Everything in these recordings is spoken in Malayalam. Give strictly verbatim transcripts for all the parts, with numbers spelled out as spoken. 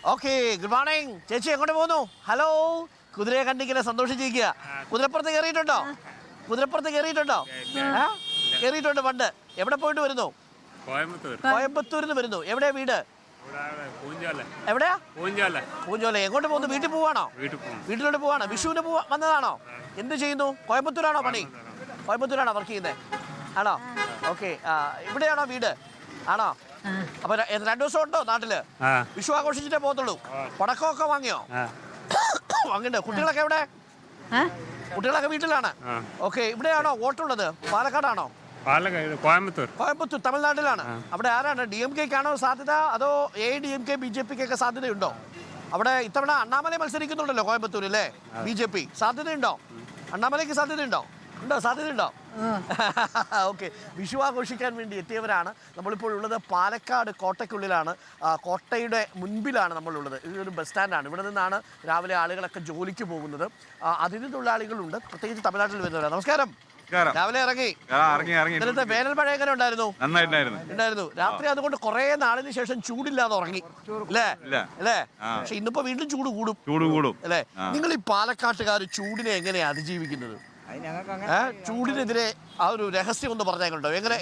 ഓക്കെ, ഗുഡ് മോർണിംഗ് ചേച്ചി. എങ്ങോട്ട് പോകുന്നു? ഹലോ, കുതിരയെ കണ്ടിങ്ങനെ സന്തോഷിച്ചിരിക്കുക. കുതിരപ്പുറത്ത് കയറിയിട്ടുണ്ടോ? കുതിരപ്പുറത്ത് കയറിയിട്ടുണ്ടോ? കയറിയിട്ടുണ്ട് പണ്ട്. എവിടെ പോയിട്ട് വരുന്നു? കോയമ്പത്തൂരിൽ നിന്ന് വരുന്നു. എവിടെയാ വീട്? എവിടെയാ? പൂഞ്ചോല. എങ്ങോട്ട് പോകുന്നു? വീട്ടിൽ പോവാണോ? വീട്ടിലോട്ട് പോവാണോ? വിഷുവിന് പോവാ വന്നതാണോ? എന്ത് ചെയ്യുന്നു? കോയമ്പത്തൂരാണോ പണി? കോയമ്പത്തൂരാണോ വർക്ക് ചെയ്യുന്നത്? ആണോ? ഓക്കെ, ഇവിടെയാണോ വീട്? ആണോ? അപ്പൊ രണ്ടു ദിവസം ഉണ്ടോ നാട്ടില്? വിഷു ആഘോഷിച്ചിട്ടേ പോകത്തുള്ളൂ. പടക്കമൊക്കെ വാങ്ങിയോ? വാങ്ങിണ്ടോ? കുട്ടികളൊക്കെ എവിടെ? കുട്ടികളൊക്കെ വീട്ടിലാണ്. ഓക്കെ, ഇവിടെയാണോ വോട്ടുള്ളത്? പാലക്കാടാണോ? കോയമ്പത്തൂർ. കോയമ്പത്തൂർ തമിഴ്നാട്ടിലാണ്. അവിടെ ആരാണ്? ഡി എം കെക്കാണോ സാധ്യത, അതോ A D M K B J പിക്കൊക്കെ സാധ്യതയുണ്ടോ? അവിടെ ഇത്തവണ അണ്ണാമലൈ മത്സരിക്കുന്നുണ്ടല്ലോ കോയമ്പത്തൂർ അല്ലേ? ബി ജെ പി സാധ്യതയുണ്ടോ? അണ്ണാമലയ്ക്ക് സാധ്യതയുണ്ടോ? ഉണ്ടോ? സാധ്യതയുണ്ടോ? ഓക്കെ, വിഷു ആഘോഷിക്കാൻ വേണ്ടി എത്തിയവരാണ്. നമ്മളിപ്പോൾ ഉള്ളത് പാലക്കാട് കോട്ടയ്ക്കുള്ളിലാണ്. കോട്ടയുടെ മുൻപിലാണ് നമ്മളുള്ളത്. ഇതൊരു ബസ് സ്റ്റാൻഡാണ്. ഇവിടെ നിന്നാണ് രാവിലെ ആളുകളൊക്കെ ജോലിക്ക് പോകുന്നത്. അതിഥി തൊഴിലാളികളുണ്ട്, പ്രത്യേകിച്ച് തമിഴ്നാട്ടിൽ വരുന്നവരാണ്. നമസ്കാരം. രാവിലെ ഇറങ്ങി ഇന്നലത്തെ വേനൽ മഴ എങ്ങനെ ഉണ്ടായിരുന്നു? ഉണ്ടായിരുന്നു. രാത്രി അതുകൊണ്ട് കുറെ നാളിന് ശേഷം ചൂടില്ലാതെ ഉറങ്ങി അല്ലേ? അല്ലേ? പക്ഷെ ഇന്നിപ്പോ വീണ്ടും ചൂട് കൂടും. ചൂട് കൂടും അല്ലേ? നിങ്ങൾ ഈ പാലക്കാട്ടുകാർ ചൂടിനെ എങ്ങനെയാ അതിജീവിക്കുന്നത്? ചൂടിനെതിരെ ആ ഒരു രഹസ്യം ഒന്ന് പറഞ്ഞേക്കുണ്ടോ? എങ്ങനെ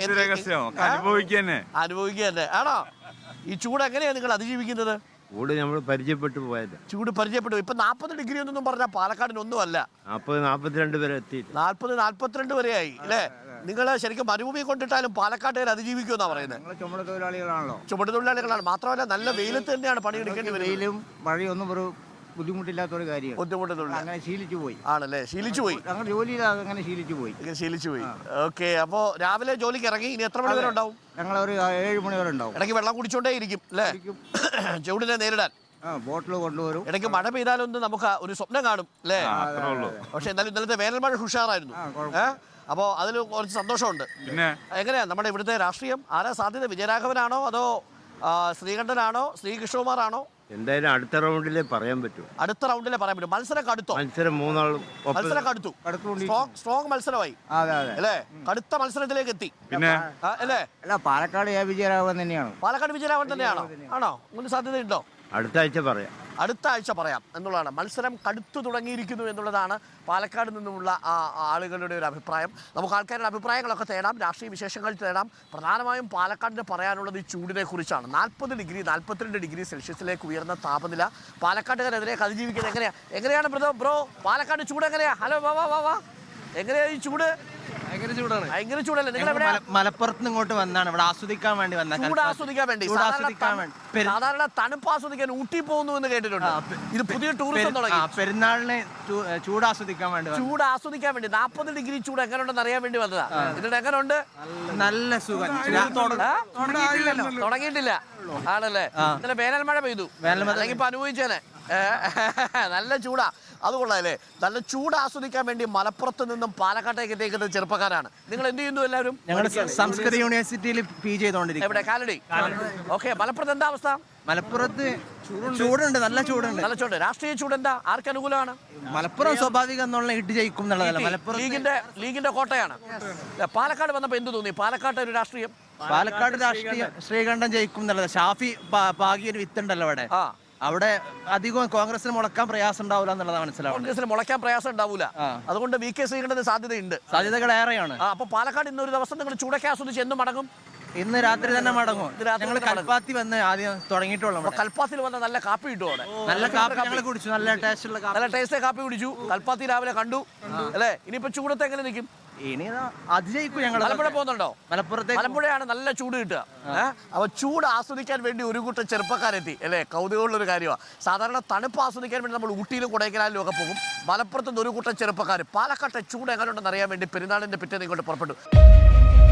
അനുഭവിക്കുക തന്നെ ആണോ? ഈ ചൂട് എങ്ങനെയാ നിങ്ങൾ അതിജീവിക്കുന്നത്? ചൂട് നമ്മൾ പരിചയപ്പെട്ടു പോയത്. ചൂട് പരിചയപ്പെട്ടു. ഇപ്പൊ നാപ്പത് ഡിഗ്രി ഒന്നും പറഞ്ഞാൽ പാലക്കാടിനൊന്നും അല്ല. നാപ്പത് നാപ്പത്തിരണ്ട് വരെ എത്തി. നാല്പത് നാല്പത്തിരണ്ട് വരെ ആയി അല്ലേ? നിങ്ങൾ ശരിക്കും മരുഭൂമി കൊണ്ടിട്ടാലും പാലക്കാട്ടുകാർ അതിജീവിക്കുമെന്നാ പറയുന്നത്. ചുമട് തൊഴിലാളികളാണല്ലോ. ചുമട് തൊഴിലാളികളാണ്. മാത്രമല്ല നല്ല വെയിലത്ത് തന്നെയാണ് പണിയെടുക്കേണ്ടി വരും. വെയിലും മഴയൊന്നും ഒരു ബുദ്ധിമുട്ടില്ലാത്തൊരു കാര്യം. ബുദ്ധിമുട്ടുള്ള അങ്ങനെ ശീലിച്ചു പോയി. ആണല്ലേ? ശീലിച്ചു പോയി. അങ്ങനെ ജോലിയിൽ അങ്ങനെ ശീലിച്ചു പോയി. ശീലിച്ചു പോയി. ഓക്കെ, അപ്പോ രാവിലെ ജോലിക്ക് ഇറങ്ങി. ഇനി എത്ര മണി വരെ ഉണ്ടാവും? ഞങ്ങൾ ഒരു ഏഴ് മണി വരെ ഉണ്ടാവും. ഇടയ്ക്ക് വെള്ളം കുടിച്ചോണ്ടേ ഇരിക്കും അല്ലേ? ചൂടിനെ നേരിടാൻ ബോട്ടിൽ കൊണ്ടുവരും. ഇടയ്ക്ക് മഴ പെയ്താലൊന്നും നമുക്ക് ഒരു സ്വപ്നം കാണും അല്ലേ? പക്ഷെ എന്നാലും ഇന്നലത്തെ വേനൽ മഴ ഉഷാറായിരുന്നു. അപ്പോ അതിൽ കുറച്ച് സന്തോഷമുണ്ട്. എങ്ങനെയാ നമ്മുടെ ഇവിടുത്തെ രാഷ്ട്രീയം? ആരാ സാധ്യത? വിജയരാഘവനാണോ അതോ ശ്രീകണ്ഠനാണോ ശ്രീകൃഷ്ണകുമാറാണോ? എന്തായാലും അടുത്ത റൗണ്ടിലേ പറയാൻ പറ്റൂ. അടുത്ത റൗണ്ടിലേ പറയാൻ പറ്റും. മത്സരം കടുത്തോ? മത്സരം മൂന്നാളും മത്സരം കടുത്തു. സ്ട്രോങ് മത്സരമായി അല്ലേ? കടുത്ത മത്സരത്തിലേക്ക് എത്തി അല്ലേ? അല്ല, പാലക്കാട് വിജയരാഘവൻ തന്നെയാണ്. പാലക്കാട് വിജയരാഘവൻ തന്നെയാണോ? ആണോ? അങ്ങനെ സാധ്യതയുണ്ടോ? അടുത്ത ആഴ്ച പറയാം. അടുത്ത ആഴ്ച പറയാം എന്നുള്ളതാണ്. മത്സരം കടുത്തു തുടങ്ങിയിരിക്കുന്നു എന്നുള്ളതാണ് പാലക്കാട് നിന്നുമുള്ള ആ ആളുകളുടെ ഒരു അഭിപ്രായം. നമുക്ക് ആൾക്കാരുടെ അഭിപ്രായങ്ങളൊക്കെ തേടാം, രാഷ്ട്രീയ വിശേഷങ്ങൾ തേടാം. പ്രധാനമായും പാലക്കാടിന് പറയാനുള്ളത് ഈ ചൂടിനെ കുറിച്ചാണ്. നാൽപ്പത് ഡിഗ്രി നാൽപ്പത്തിരണ്ട് ഡിഗ്രി സെൽഷ്യസിലേക്ക് ഉയർന്ന താപനില പാലക്കാട്ടുകാരെതിരെ അതിജീവിക്കുന്നത് എങ്ങനെയാ? എങ്ങനെയാണ് ബ്രോ ബ്രോ പാലക്കാട് ചൂട് എങ്ങനെയാ? ഹലോ, വാ വാ വാ വാ എങ്ങനെയാ ഈ ചൂട്? ഭയങ്കര ചൂടാണ്. ഭയങ്കര ചൂടല്ലേ? നിങ്ങൾ എവിടെ? മലപ്പുറത്ത് ഇങ്ങോട്ട് വന്നാണ് ഇവിടെ ആസ്വദിക്കാൻ വേണ്ടി വന്ന. ചൂട് ആസ്വദിക്കാൻ വേണ്ടി. സാധാരണ തണുപ്പ് ആസ്വദിക്കാൻ ഊട്ടി പോകുന്നു എന്ന് കേട്ടിട്ടുണ്ട്. ഇത് പുതിയ ടൂറിസം തുടങ്ങി. പെരുന്നാളിന് ചൂട് ആസ്വദിക്കാൻ വേണ്ടി. ചൂട് ആസ്വദിക്കാൻ വേണ്ടി നാൽപ്പത് ഡിഗ്രി ചൂട് എങ്ങനെയുണ്ടെന്ന് അറിയാൻ വേണ്ടി വന്നതാ. എന്നിട്ട് എങ്ങനെയുണ്ട്? നല്ല സുഖം. തുടങ്ങിയിട്ടില്ല ആണല്ലേ? ഇന്നലെ വേനൽ മഴ പെയ്തു. അല്ലെങ്കിൽ ഇപ്പൊ അനുഭവിച്ചേനെ. നല്ല ചൂടാ. അത് കൊള്ളാല്ലേ? നല്ല ചൂട് ആസ്വദിക്കാൻ വേണ്ടി മലപ്പുറത്ത് നിന്നും പാലക്കാട്ടേക്ക് എത്തിക്കുന്ന ചെറുപ്പക്കാരാണ്. നിങ്ങൾ എന്ത് ചെയ്യുന്നു എല്ലാവരും? ഞങ്ങൾ സംസ്കൃത യൂണിവേഴ്സിറ്റിയിൽ പി ജി ചെയ്തോണ്ടിരിക്കും. എവിടെ? കാലടി. ഓക്കെ, മലപ്പുറത്ത് എന്താ അവസ്ഥ? മലപ്പുറത്ത് ചൂടുണ്ട്, നല്ല ചൂടുണ്ട്. നല്ല ചൂട്. രാഷ്ട്രീയ ചൂട് എന്താ? ആർക്ക് അനുകൂലമാണ്? മലപ്പുറം സ്വാഭാവികം എന്നുള്ള ഇട്ട് ജയിക്കും എന്നുള്ളതല്ല. മലപ്പുറം ലീഗിന്റെ ലീഗിന്റെ കോട്ടയാണ്. പാലക്കാട് വന്നപ്പോ എന്ത് തോന്നി? പാലക്കാട്ടെ ഒരു രാഷ്ട്രീയം. പാലക്കാട് രാഷ്ട്രീയം ശ്രീകണ്ഠൻ ജയിക്കും എന്നുള്ളത്. ഷാഫി പാകിയൊരു വിത്തുണ്ടല്ലോ അവിടെ. അവിടെ അധികം കോൺഗ്രസിന് മുളക്കാൻ പ്രയാസം ഉണ്ടാവില്ല എന്നുള്ളതാണ് മനസ്സിലാവും. കോൺഗ്രസിന് മുളക്കാൻ പ്രയാസം ഉണ്ടാവില്ല. അതുകൊണ്ട് വി കെ ശ്രീകണ്ഠന് സാധ്യതയുണ്ട്. സാധ്യതകൾ ഏറെയാണ്. അപ്പൊ പാലക്കാട് ഇന്നൊരു ദിവസം നിങ്ങൾ ചൂടൊക്കെ ആസ്വദിച്ച് എന്നും മടങ്ങും? ഇന്ന് രാത്രി തന്നെ മടങ്ങും. ഞങ്ങൾ കൽപ്പാത്തി വന്ന് ആദ്യം തുടങ്ങിയിട്ടുള്ളൂ. കൽപ്പാത്തിൽ വന്ന നല്ല കാപ്പി കിട്ടും അവിടെ. നല്ല കാപ്പി ഞങ്ങൾ കുടിച്ചു. നല്ല ടേസ്റ്റുള്ള നല്ല ടേസ്റ്റ് കാപ്പി കുടിച്ചു. കൽപ്പാത്തി രാവിലെ കണ്ടു അല്ലേ? ഇനിയിപ്പോ ചൂടത്ത് എങ്ങനെ നിൽക്കും? ഇനി അതിജയിക്കും. ഞങ്ങൾ മലമ്പുഴ പോകുന്നുണ്ടോ? മലപ്പുറത്തേക്ക്. മലമ്പുഴയാണ് നല്ല ചൂട് കിട്ടുക. അപ്പൊ ചൂട് ആസ്വദിക്കാൻ വേണ്ടി ഒരു കൂട്ടം ചെറുപ്പക്കാരെത്തി അല്ലേ? കൗതുകമുള്ള ഒരു കാര്യമാണ്. സാധാരണ തണുപ്പ് ആസ്വദിക്കാൻ വേണ്ടി നമ്മൾ ഊട്ടിയിലും കൊടൈക്കനാലിലും ഒക്കെ പോകും. മലപ്പുറത്ത് നിന്ന് ഒരു കൂട്ടം ചെറുപ്പക്കാർ പാലക്കാട്ടെ ചൂട് എങ്ങനെയുണ്ടെന്ന് അറിയാൻ വേണ്ടി പെരുന്നാളിന്റെ പിറ്റേന്ന് ഇങ്ങോട്ട് പുറപ്പെട്ടു.